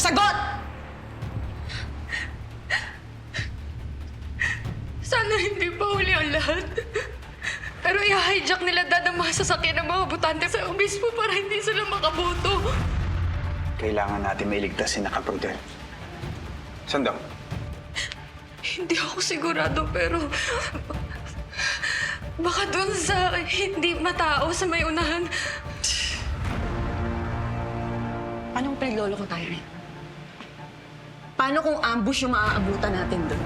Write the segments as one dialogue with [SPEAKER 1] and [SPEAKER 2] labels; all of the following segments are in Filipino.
[SPEAKER 1] Sagot!
[SPEAKER 2] Sana hindi pa huli ang lahat. Pero i-hijack nila Dad ang mga sasakyan ng mga butante sa obispo para hindi sila makaboto.
[SPEAKER 3] Kailangan natin mailigtas si Nakaprudel. Saan daw?
[SPEAKER 2] Hindi ako sigurado pero... Baka doon sa hindi matao sa may unahan.
[SPEAKER 1] Anong pinaglolo ko tayo rin? Paano kung ambush yung maaabutan natin doon?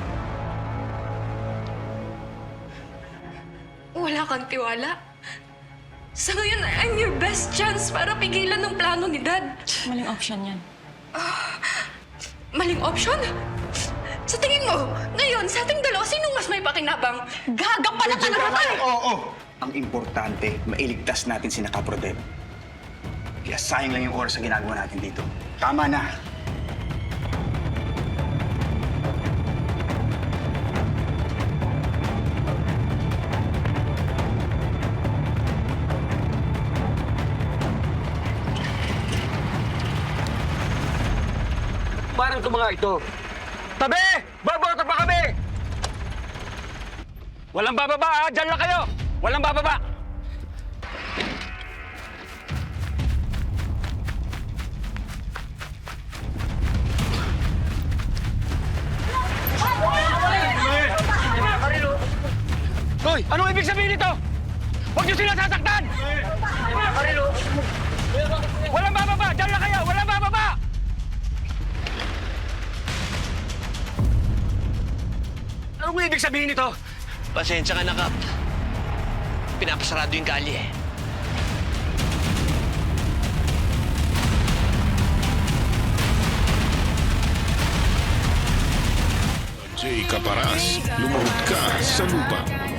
[SPEAKER 2] Wala kang tiwala. Sa ngayon, I'm your best chance para pigilan ng plano ni Dad.
[SPEAKER 1] Maling option yan.
[SPEAKER 2] Maling option? Sa tingin mo, ngayon, sa ating dalawa, sinong mas may pakinabang?
[SPEAKER 1] Gaga pala talaga tayo!
[SPEAKER 3] Oo! Ang importante, mailigtas natin si Nakaprudel. Kaya sayang lang yung oras sa ginagawa natin dito. Tama na!
[SPEAKER 4] Parang ito mga ito. Tabi! Baboto pa kami! Walang bababa, ha? Diyan lang kayo! Walang bababa! Hoy! Anong ibig sabihin nito? Huwag niyo sila sasaktan! Walang bababa! Diyan lang kayo! Walang bababa! Anong ibig sabihin nito?
[SPEAKER 5] Pasensya ka na, Kap. Pinapasarado yung kalye eh.
[SPEAKER 6] Jay Caparaz, lumahod ka sa lupa.